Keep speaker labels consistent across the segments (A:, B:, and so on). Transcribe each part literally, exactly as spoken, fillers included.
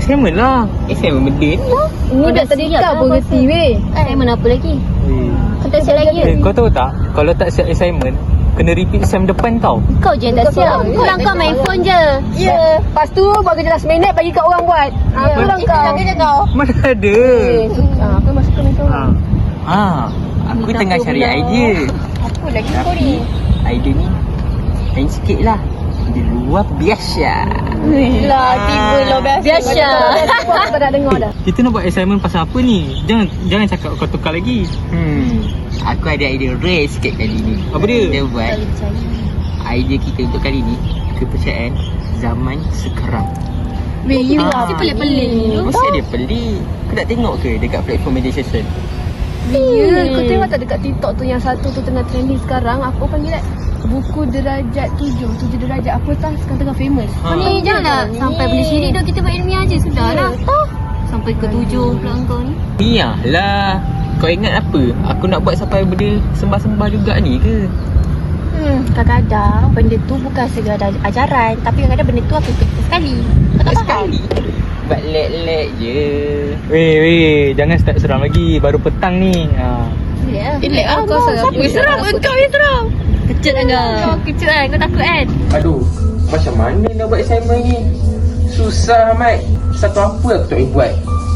A: assignment lah. Assignment benda ni lah.
B: Ini dah tadi kau pun reti weh.
C: Assignment apa lagi? Kau tak siap lagi?
A: Eh, kau tahu tak, kalau tak siap assignment, kena repeat sem depan tau.
C: Kau je yang tak siap. Pulang kau main phone je.
B: Ya. Lepas tu baru je last minute bagi kat orang buat. Ha, pulang kau.
C: Itu je kau.
A: Mana ada.
B: Ha, apa masuk ke kau?
A: Ha. Ha. Aku
C: Minta
A: tengah
C: apa
A: cari
C: pula?
A: idea.
B: Apa lagi kau
A: Tapi
B: ni?
A: idea ni lain sikit lah. Di luar biasa.
B: Lah, tiba lah biasa.
C: Biasa.
B: Aku tak nak dengar dah.
A: Kita nak buat assignment pasal apa ni? Jangan jangan cakap kau tukar lagi. Hmm. Aku ada idea rare sikit kali ni. Apa dia? Kita buat idea kita untuk kali ni, kepercayaan zaman sekarang.
B: Weh, you
A: Ah.
B: lah.
C: Mesti pelik-pelik.
A: Mesti ada pelik. Kau tak tengok ke dekat platform media sosial?
B: Ya, kau tengok tak dekat TikTok tu yang satu tu tengah trending sekarang. Apa panggil tak? Buku derajat tujuh. Tujuh derajat apa tak? Sekarang tengah famous.
A: Ha.
C: Kau ni janganlah sampai benda syirik dah. Kita buat ilmiah je. Sudah lah. Sampai ke tujuh pula kau ni.
A: Niah lah. Kau ingat apa? Aku nak buat sampai benda sembah-sembah juga ni ke?
C: Hmm, kadang-kadang benda tu bukan sekadar ajaran. Tapi kadang-kadang benda tu aku ikut sekali. Kau tak faham?
A: Sekali. Buat lek-lek je. Weh, weh. Jangan start seram lagi. Baru petang ni. Ha.
C: Ya.
B: Elek ah kau
C: Siapa yang seram? Kau yang seram. Kecut kan kau? Kau kecut kan? Kau takut kan?
A: Aduh. Macam mana nak buat assignment ni? Susah amat. Satu apa aku tak boleh buat?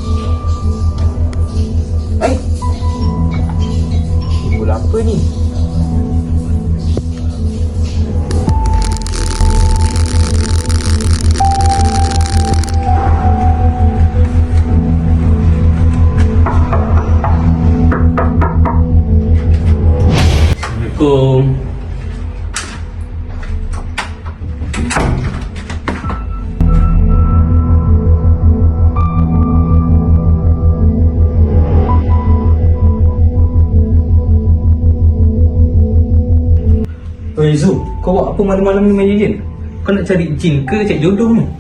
A: Ay. Bola apa ni? Assalamualaikum. Oi Zu, kau buat apa malam-malam ni main jin? Kau nak cari jin ke cari jodoh ni?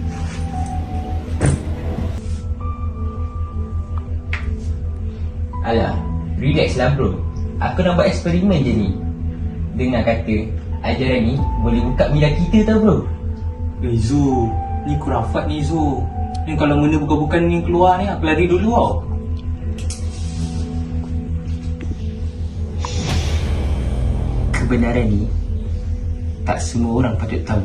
A: Alah, relax lah bro. Aku nak buat eksperimen je ni. Dengar kata, ajaran ni boleh buka minda kita tau bro.
D: Eh Zu, ni kurafat ni Zu. Ni kalau mana bukan-bukan ni keluar ni, aku lari dulu tau.
A: Kebenaran ni tak semua orang patut tahu.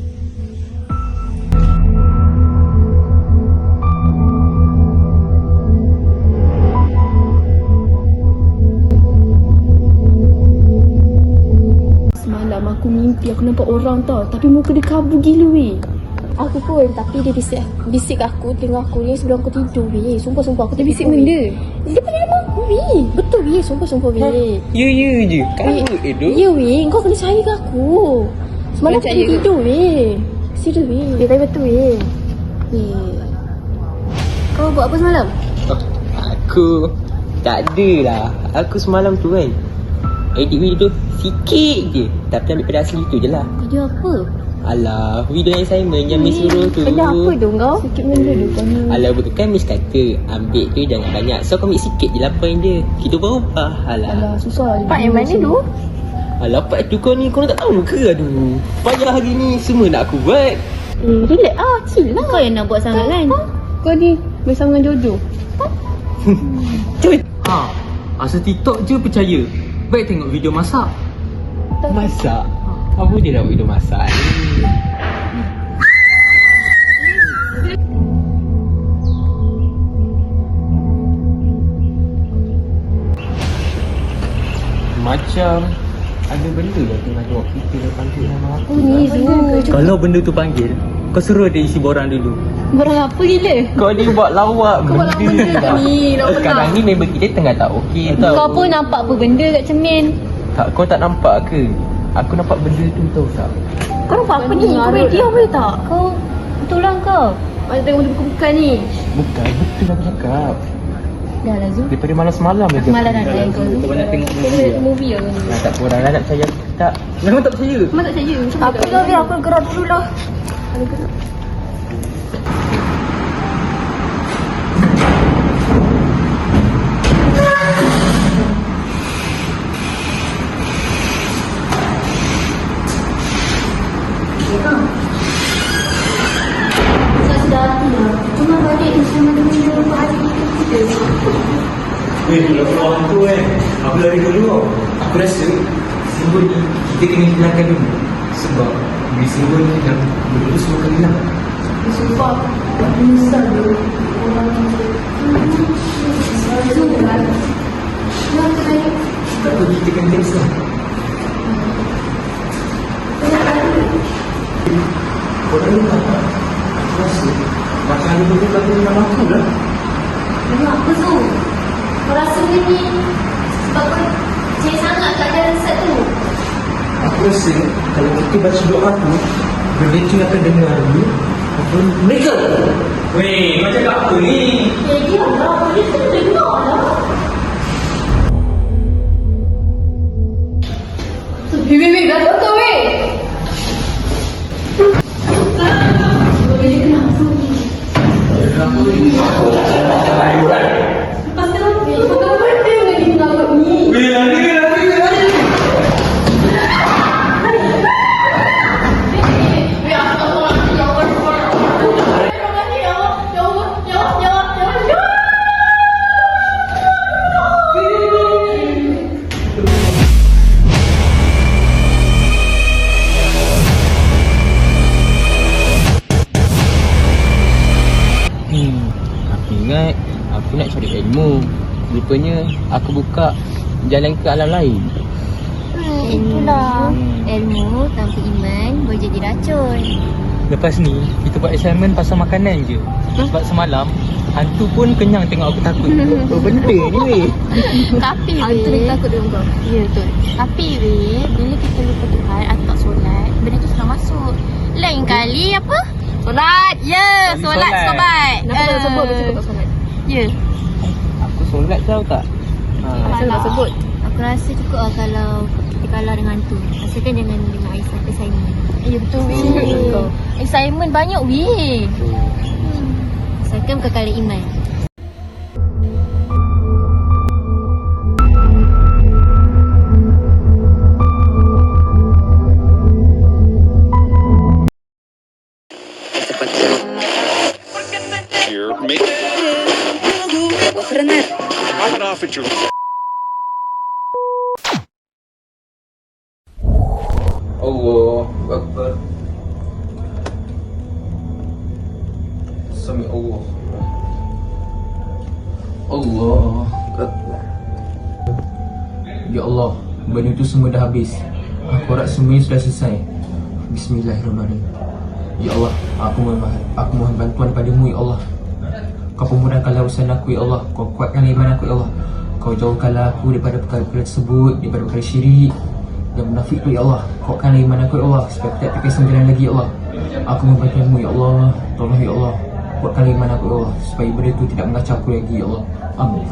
B: Semalam aku mimpi aku nampak orang tau. Tapi muka dia kabur gila weh.
C: Aku pun. Tapi dia bisik bisik aku, tengok aku ni sebelum aku tidur weh. Sumpah-sumpah aku
B: Dia bisik
C: tertidur,
B: benda.
C: weh. Dia panggil nama aku weh. Betul weh. Sumpah-sumpah weh.
A: Ya ya je. Kabut eh tu.
C: Ya weh. Kau kena percaya ke aku. Semalam aku
B: Percaya
C: tak
B: ke?
C: tidur weh. Serius weh. Dia tapi betul weh. Weh. Kau buat apa semalam?
A: Oh, aku tak adalah. Aku semalam tu kan edit video tu sikit je. Tapi ambil pada asli tu je lah.
C: Video apa?
A: Alah, video assignment yang Miss suruh tu.
C: Benda apa tu kau?
B: Sikit benda tu kau ni.
A: Alah, bukan Miss kata ambil tu jangan banyak. So kau ambil sikit je lah point dia. Kita berubah. Alah.
B: Alah, susah.
C: Part yang mana tu?
A: Alah, part tu kau ni kau tak tahu ke? Aduh. Payah hari ni semua nak aku buat.
C: Eh, relax ah. Chill lah. Kau yang nak buat sangat kan?
B: Kau ni bersama dengan Jojo.
A: Cuy. Ha, asal TikTok je percaya. Baik tengok video masak. Masak? Apa dia nak video masak ni? Macam ada benda yang tengah tengok kita dia panggil nama aku.
C: Oh ni Zu.
A: Kalau benda tu panggil, kau suruh dia isi borang dulu.
B: Barang apa gila?
A: Kau ni buat lawak
B: Kau buat lawak benda
A: lah.
B: ni, lawak
A: Sekarang
B: tak?
A: ni member kita tengah tak okey tau.
B: Kau pun nampak apa benda kat cermin?
A: Tak, kau tak nampak ke? Aku nampak benda tu tau tak?
C: Kau nampak apa
B: Kau
C: ni?
B: ni
C: Kau boleh
B: ngarut
C: diam boleh tak? Kau betul lah kau.
B: Macam tengok benda bukan-bukan ni.
A: Bukan, betul aku cakap.
B: Dah lah Zu.
A: Daripada malam semalam lagi.
B: Malam dah lain kau.
A: Kau banyak tengok movie
B: Tengok
A: lah.
B: movie lah kau ni.
A: Nah, tak kurang lah nak percaya aku tak. Memang tak percaya.
B: Memang tak percaya. Macam
C: Aku dah biar aku gerak dulu lah.
B: Ada gerak.
C: Saya sudah hati lah. Cuma balik
D: Eh, kalau keluar hantu kan, aku lari dulu. Aku rasa simbol ni kita kena hilangkan dulu. Sebab bila simbol ni dah benda semua akan hilang.
B: Sumpah, aku menyesal dulu. Orang itu. Kenapa tadi?
D: Tak apa, kita kena cancel. Korang ni tak apa. Aku rasa macam ada benda lagu dengan aku lah.
C: Memang apa tu? Kau rasa ni sebab kau percaya sangat kat ada resep tu?
D: Aku rasa kalau kita baca doa tu, benda tu akan dengar ni. Apa mereka? Weh, kau cakap apa ni?
C: Ya, dia lah. Dia tu dengar lah.
B: Weh, weh, weh, dah betul weh. Lepas tu, kau benda lagi mengamuk ni.
D: Weh, lari, lari, lari.
A: Hmm, aku ingat aku nak cari ilmu. Rupanya aku buka jalan ke alam lain.
C: Hmm, itulah. Ilmu tanpa iman boleh jadi racun.
A: Lepas ni, kita buat assignment pasal makanan je. Sebab semalam, hantu pun kenyang tengok aku takut. Apa benda ni weh?
C: Tapi
B: Hantu
C: weh,
B: dia takut dengan kau.
C: ya betul. Tapi weh, bila kita lupa Tuhan atau tak solat, benda tu sudah masuk. Lain kali apa? Solat. Ya,
A: Kali
C: solat
A: solat.
C: sobat.
B: Kenapa kau nak sebut besok kau tak solat?
C: Ya.
A: Aku solat tahu tak? Ha.
B: Asal nak sebut?
C: Aku rasa cukup lah kalau kita kalah dengan hantu. Asalkan jangan dengan assignment. assignment. Ya betul weh. Assignment banyak weh. Asalkan bukan kali iman.
E: Here, make Knock it off at your
D: Allah Akbar. Sami Allah. Allah Akbar. Ya Allah, benda tu semua dah habis. Aku harap semuanya sudah selesai. Bismillahirrahmanirrahim. Ya Allah, aku mohon aku mohon bantuan padamu ya Allah. Kau pemudahkanlah urusan aku ya Allah. Kau kuatkanlah iman aku ya Allah. Kau jauhkanlah aku daripada perkara-perkara tersebut, daripada perkara syirik dan munafik tu ya Allah. Kuatkanlah iman aku ya Allah supaya aku tak terkesan jalan lagi ya Allah. Aku mohon bantuanmu ya Allah. Tolong ya Allah, kuatkanlah iman aku ya Allah supaya benda tu tidak mengacau aku lagi ya Allah. Amin.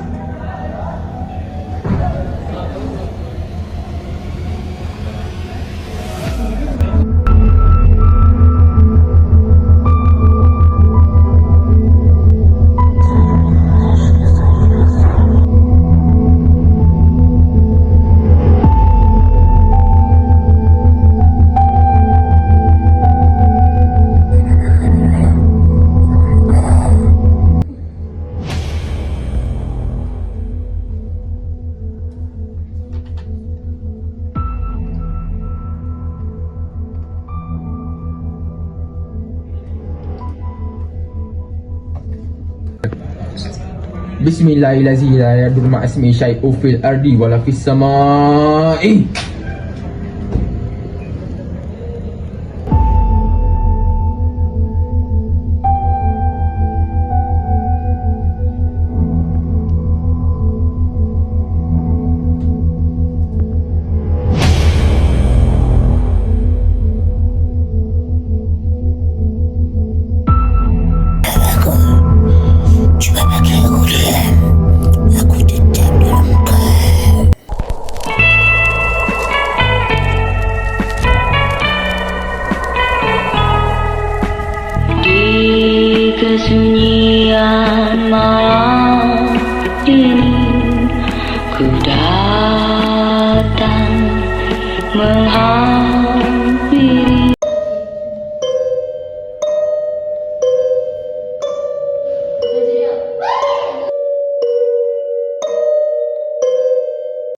D: Bismillahirrahmanirrahim. La yadur ma'asmi syai'u fil ardi wala fis sama'i.
F: Kesunyian malam ini ku datang menghadap